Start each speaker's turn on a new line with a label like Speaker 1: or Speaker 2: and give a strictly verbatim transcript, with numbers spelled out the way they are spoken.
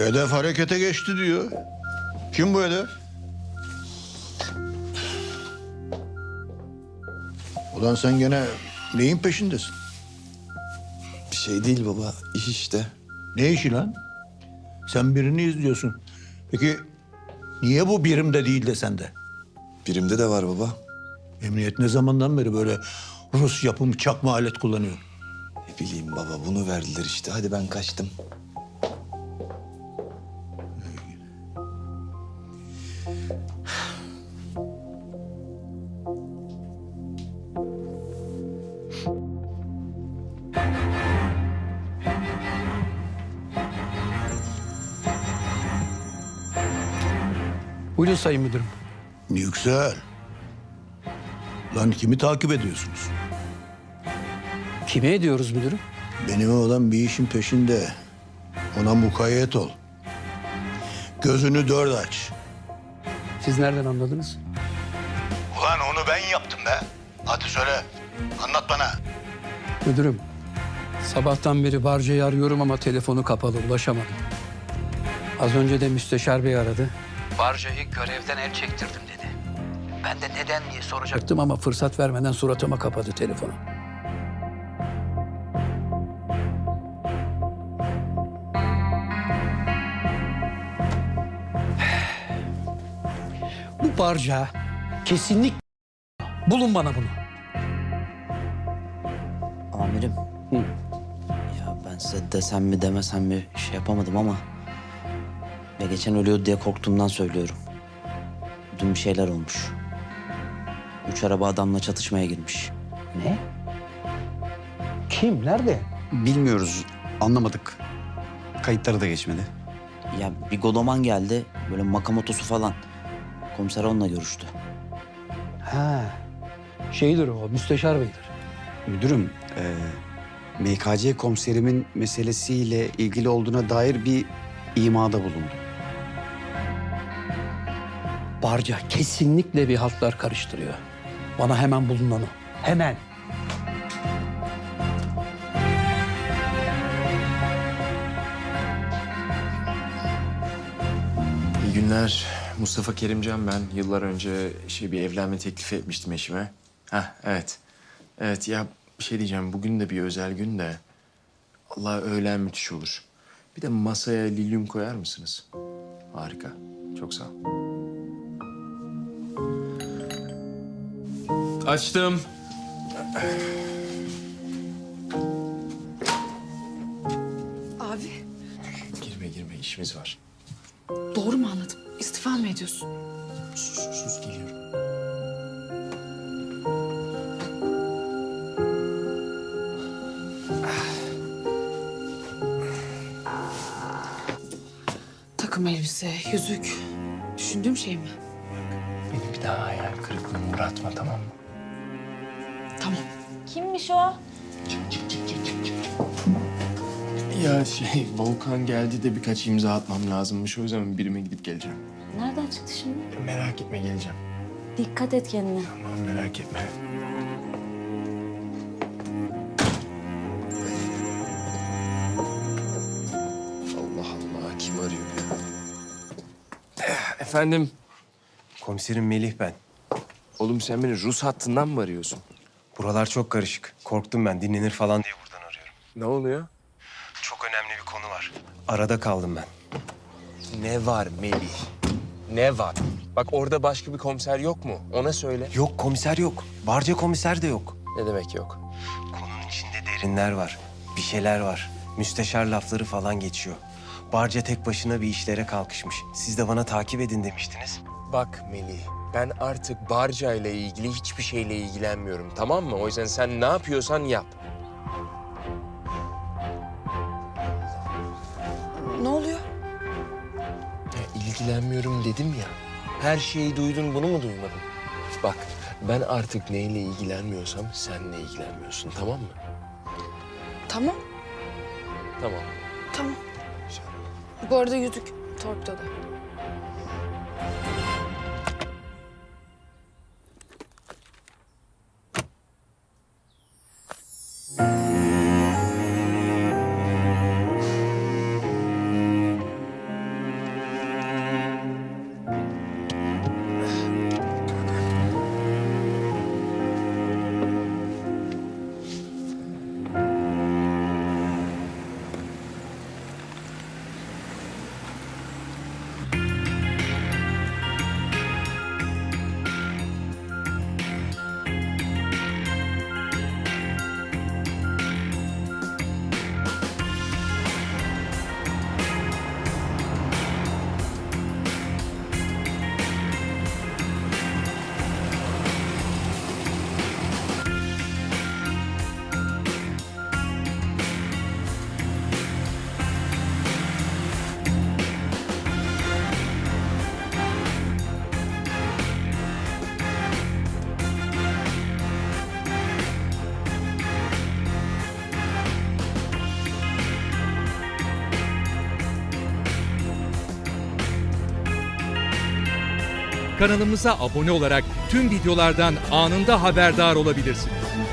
Speaker 1: Hedef harekete geçti diyor. Kim bu hedef? Ulan sen gene neyin peşindesin?
Speaker 2: Bir şey değil baba, iş işte.
Speaker 1: Ne işi lan? Sen birini izliyorsun. Peki niye bu birimde değil de sende?
Speaker 2: Birimde de var baba.
Speaker 1: Emniyet ne zamandan beri böyle Rus yapımı çakma alet kullanıyor?
Speaker 2: Ne bileyim baba, bunu verdiler işte. Hadi ben kaçtım.
Speaker 3: Buyurun Sayın Müdürüm.
Speaker 1: Yüksel. Lan kimi takip ediyorsunuz?
Speaker 3: Kime ediyoruz müdürüm?
Speaker 1: Benim oğlan bir işin peşinde. Ona mukayyet ol. Gözünü dört aç.
Speaker 3: Siz nereden anladınız?
Speaker 1: Ulan onu ben yaptım be. Hadi söyle. Anlat bana.
Speaker 3: Müdürüm, sabahtan beri Barca'yı arıyorum ama telefonu kapalı, ulaşamadım. Az önce de müsteşar bey aradı. Barca'yı görevden el çektirdim dedi. Ben de neden diye soracaktım ama fırsat vermeden suratıma kapadı telefonu. Bu Barca kesinlikle bulun bana bunu.
Speaker 4: Amirim.
Speaker 3: Hı.
Speaker 4: Ya ben size desem mi demesem mi şey yapamadım ama... ...ya geçen ölüyordu diye korktuğumdan söylüyorum. Dün bir şeyler olmuş. Üç araba adamla çatışmaya girmiş.
Speaker 3: Ne? Kim? Nerede?
Speaker 5: Bilmiyoruz, anlamadık. Kayıtları da geçmedi.
Speaker 4: Ya bir Godoman geldi, böyle makamotosu falan. Komiser onunla görüştü.
Speaker 3: Ha. Şeydir o, müsteşar beydir.
Speaker 5: Müdürüm, e, M K C komiserimin meselesiyle ilgili olduğuna dair bir imada bulundu.
Speaker 3: Barca kesinlikle bir haltlar karıştırıyor. Bana hemen bulun onu. Hemen.
Speaker 6: İyi günler. Mustafa Kerimcan ben. Yıllar önce şey bir evlenme teklifi etmiştim eşime. Hah evet. Evet ya bir şey diyeceğim. Bugün de bir özel gün de. Allah öğlen müthiş olur. Bir de masaya lilyum koyar mısınız? Harika. Çok sağ ol. Açtım.
Speaker 7: Abi,
Speaker 6: Girme girme işimiz var.
Speaker 7: doğru mu anladım? İstifa mı ediyorsun?
Speaker 6: Sus sus sus geliyorum.
Speaker 7: Takım elbise, yüzük. Düşündüğüm şey mi?
Speaker 6: Beni bir daha hayal kırıklığına uğratma tamam mı?
Speaker 7: Tamam.
Speaker 8: Kimmiş o?
Speaker 6: Ya şey Volkan geldi de birkaç imza atmam lazımmış. O yüzden birime gidip geleceğim.
Speaker 8: Nereden çıktı şimdi?
Speaker 6: Merak etme geleceğim.
Speaker 8: Dikkat et kendine.
Speaker 6: Tamam merak etme. Allah Allah kim arıyor ya? Efendim?
Speaker 9: Komiserim Melih ben.
Speaker 6: Oğlum sen beni Rus hattından mı arıyorsun?
Speaker 9: Buralar çok karışık. Korktum ben dinlenir falan diye buradan arıyorum.
Speaker 6: Ne oluyor?
Speaker 9: Çok önemli bir konu var. Arada kaldım ben.
Speaker 6: Ne var Melih? Ne var? Bak orada başka bir komiser yok mu? Ona söyle.
Speaker 9: Yok komiser yok. Barca komiser de yok.
Speaker 6: Ne demek yok?
Speaker 9: Konunun içinde derinler var. Bir şeyler var. Müsteşar lafları falan geçiyor. Barca tek başına bir işlere kalkışmış. Siz de bana takip edin demiştiniz.
Speaker 6: Bak Melih, ben artık Barca ile ilgili hiçbir şeyle ilgilenmiyorum, tamam mı? O yüzden sen ne yapıyorsan yap.
Speaker 7: Ne oluyor?
Speaker 6: Ya, ilgilenmiyorum dedim ya. Her şeyi duydun, bunu mu duymadın? Bak, ben artık neyle ilgilenmiyorsam senle ilgilenmiyorsun, tamam mı?
Speaker 7: Tamam,
Speaker 6: Tamam.
Speaker 7: tamam. Bu arada yüzük torpidoda.
Speaker 10: Kanalımıza abone olarak tüm videolardan anında haberdar olabilirsiniz.